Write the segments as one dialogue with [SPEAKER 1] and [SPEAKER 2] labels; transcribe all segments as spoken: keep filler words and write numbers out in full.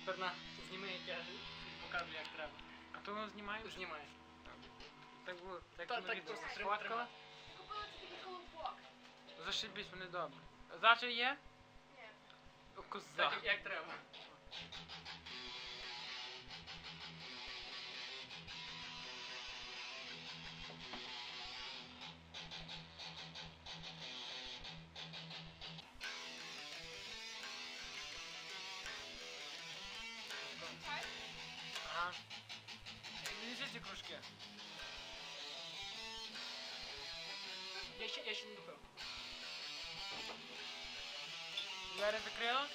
[SPEAKER 1] Тепер на, зніми, як я покажу, як треба.
[SPEAKER 2] А то воно знімає?
[SPEAKER 1] Знімай.
[SPEAKER 2] Так було, так
[SPEAKER 1] Та,
[SPEAKER 2] ми
[SPEAKER 1] так
[SPEAKER 2] відео
[SPEAKER 1] просто
[SPEAKER 2] сфоткали.
[SPEAKER 1] тримай.
[SPEAKER 3] Я купила це такий колобок.
[SPEAKER 2] Зашибісь, вони добре. Завтра є?
[SPEAKER 3] Ні.
[SPEAKER 2] О, коза.
[SPEAKER 1] Так, як, як треба.
[SPEAKER 3] Чай?
[SPEAKER 2] Ага. Візьми ці кружки.
[SPEAKER 1] Я ще, я ще не допив.
[SPEAKER 2] Двері закрила?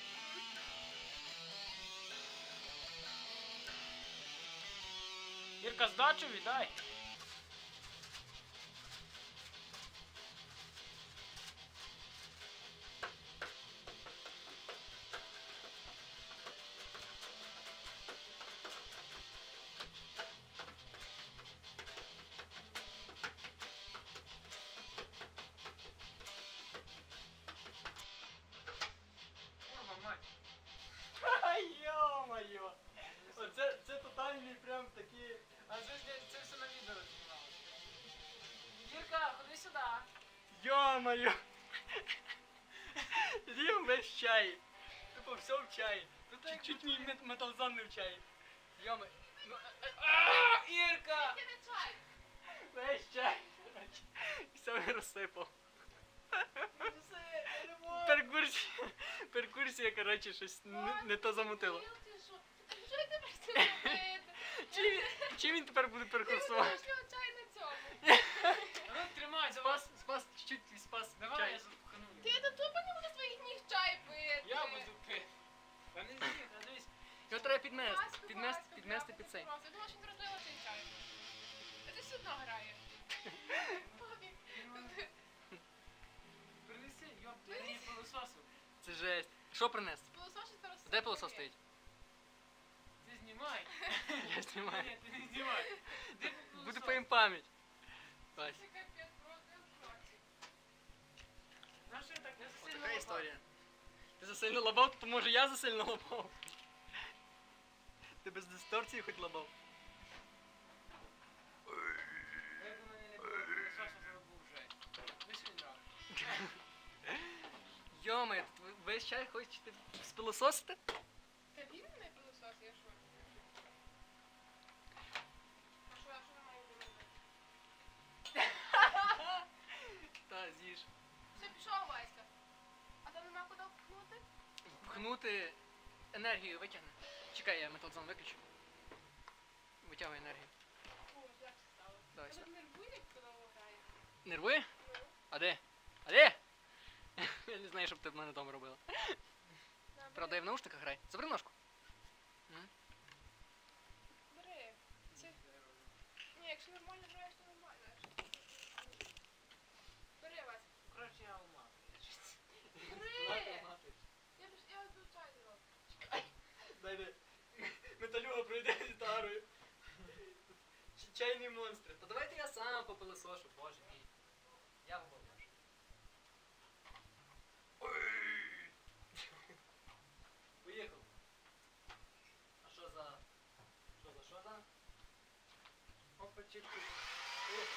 [SPEAKER 2] Ірка, здачу віддай.
[SPEAKER 1] Йо-моє! Оце це тотальний прям такий.
[SPEAKER 2] А це, ж- це все на відео знімалося. Ірка, ходи сюди.
[SPEAKER 1] Йо-моє! З'їм весь чай. Тупо все в чай.
[SPEAKER 2] Тут як
[SPEAKER 1] Чуть-чуть мій мет- металзон не в чай. Йома. Ну,
[SPEAKER 2] А, Ірка!
[SPEAKER 3] Це не чай.
[SPEAKER 1] весь чай. Все розсипав.
[SPEAKER 2] Все, я не можу.
[SPEAKER 1] Перкурсія. Перкурсія, коротше, щось не, не то замутило.
[SPEAKER 3] Ти що? Що я тепер з цим робити?
[SPEAKER 1] Чим, він- чим він тепер буде
[SPEAKER 3] Ти
[SPEAKER 1] перекурсувати?
[SPEAKER 3] вирішив чай на цьому.
[SPEAKER 2] А ну тримай, за вас.
[SPEAKER 1] Спас, спас, чуть-чуть спас
[SPEAKER 2] Давай,
[SPEAKER 1] чай.
[SPEAKER 2] я запхну.
[SPEAKER 3] Ти до тупо не буду своїх ніг чай пити.
[SPEAKER 2] Я буду пити. Та не з'їв, та дивись.
[SPEAKER 1] Його треба підмести,
[SPEAKER 3] Ласка,
[SPEAKER 1] підмести,
[SPEAKER 3] ласка,
[SPEAKER 1] підмести
[SPEAKER 3] прямо
[SPEAKER 1] під цей.
[SPEAKER 3] просто. Я думала, що він розлила цей чай. А ти все одно грає.
[SPEAKER 2] Принеси, йоп, ти мені пилососу.
[SPEAKER 1] Це жесть. Що принести?
[SPEAKER 3] Пилосос ще зараз
[SPEAKER 1] Де пилосос стоїть?
[SPEAKER 2] Ти знімай.
[SPEAKER 1] Я знімаю.
[SPEAKER 2] Ні, ти не знімай. Де
[SPEAKER 1] Буде
[SPEAKER 2] пилосос?
[SPEAKER 1] по їм пам'ять. Вась.
[SPEAKER 3] Це капець, просто я в шоці.
[SPEAKER 2] Знаєш, що я так не
[SPEAKER 1] Ось
[SPEAKER 2] засильно
[SPEAKER 1] така
[SPEAKER 2] лапав?
[SPEAKER 1] історія. Ти засильно лабав, то може я засильно лабав. Ти без дисторції хоч лабав.
[SPEAKER 2] Якби мене не було пилососу, то був вже. Ви що він робить?
[SPEAKER 1] Йома, весь чай хочете спилососити?
[SPEAKER 3] Та він не пилосос, я що? А що, а що ми маємо робити?
[SPEAKER 1] Та, з'їж.
[SPEAKER 3] Все, пішов, Васька. А там нема куди впхнути?
[SPEAKER 1] Пхнути енергію витягне. Чекай, я металзон виключу. Витягуй енергію.
[SPEAKER 3] О, як це стало?
[SPEAKER 1] Давай
[SPEAKER 3] Тебе
[SPEAKER 1] сюди.
[SPEAKER 3] нервує, як коли грає?
[SPEAKER 1] Нервує?
[SPEAKER 3] Ну,
[SPEAKER 1] А де? А де? Я не знаю, щоб ти в мене вдома робила.
[SPEAKER 3] на,
[SPEAKER 1] Правда, я в наушниках граю. Забери ножку.
[SPEAKER 3] бери. Це... Ні, якщо нормально граєш, то нормально. Якщо- Бери, Васька.
[SPEAKER 2] Коротше, я ума.
[SPEAKER 3] Бери! Я б я тут чай зроблю.
[SPEAKER 1] Дай де. Металюга пройде з гітарою. Ч- Чайний монстр. Та давайте я сам попилисошу, боже мій. Я в голову. Поїхав. А що за... Що за, що за? Опа, чик, чик. Поїхав.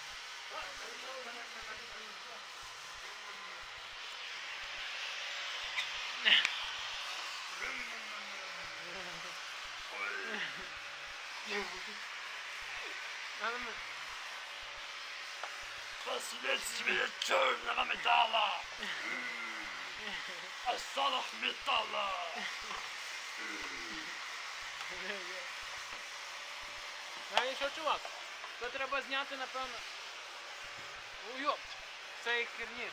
[SPEAKER 2] Надо ми-
[SPEAKER 4] Последствия черного металла! Останок металла!
[SPEAKER 2] Знаєш що, чувак? Це треба зняти, напевно. Уйоп! Це як херні.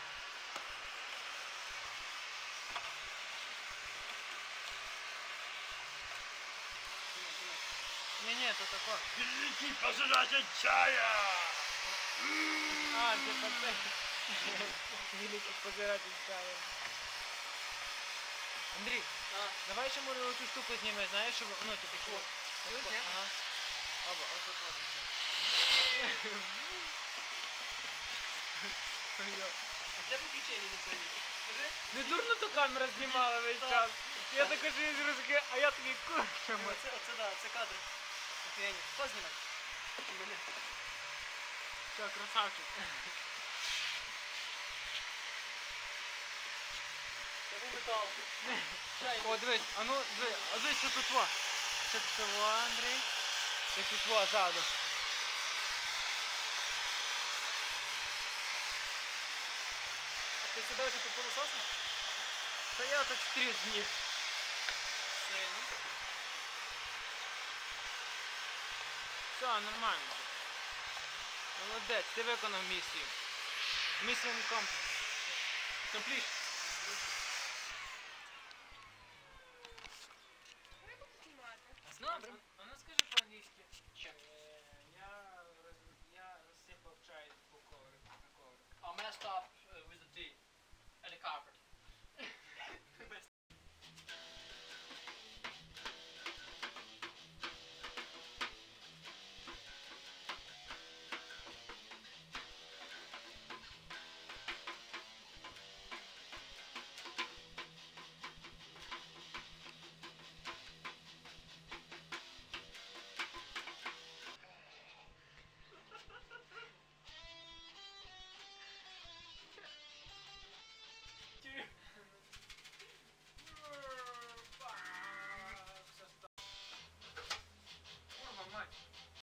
[SPEAKER 2] Ні-ні, то тако.
[SPEAKER 4] Великий пожиратель чая!
[SPEAKER 2] А, це це. Великий пожиратель чаю. Андрій,
[SPEAKER 1] А,
[SPEAKER 2] давай ще може оцю штуку зніме, знаєш, щоб, ну, типу, що?
[SPEAKER 1] Тут, ні?
[SPEAKER 2] Ага. Оба, ось тут можна. Йо.
[SPEAKER 1] А де виключення не повні? Скажи.
[SPEAKER 2] Не дурно ту камера знімала весь
[SPEAKER 1] Так.
[SPEAKER 2] час. Я такий живий розки, а я такий курчимо.
[SPEAKER 1] Оце, оце, да, це кадри. Офігенні. Хто знімає? Мене.
[SPEAKER 2] Все, красавчик.
[SPEAKER 1] Це був метал. Чайник.
[SPEAKER 2] О, дивись, а ну, дивись, а дивись, що тут во. Що тут во, Андрій? Як тут во, ззаду.
[SPEAKER 1] А ти себе вже попилососив?
[SPEAKER 2] Та я так стріз з них.
[SPEAKER 1] Сильно.
[SPEAKER 2] Все, нормально. Молодець, ти виконав місію. Місія комплект. Компліш.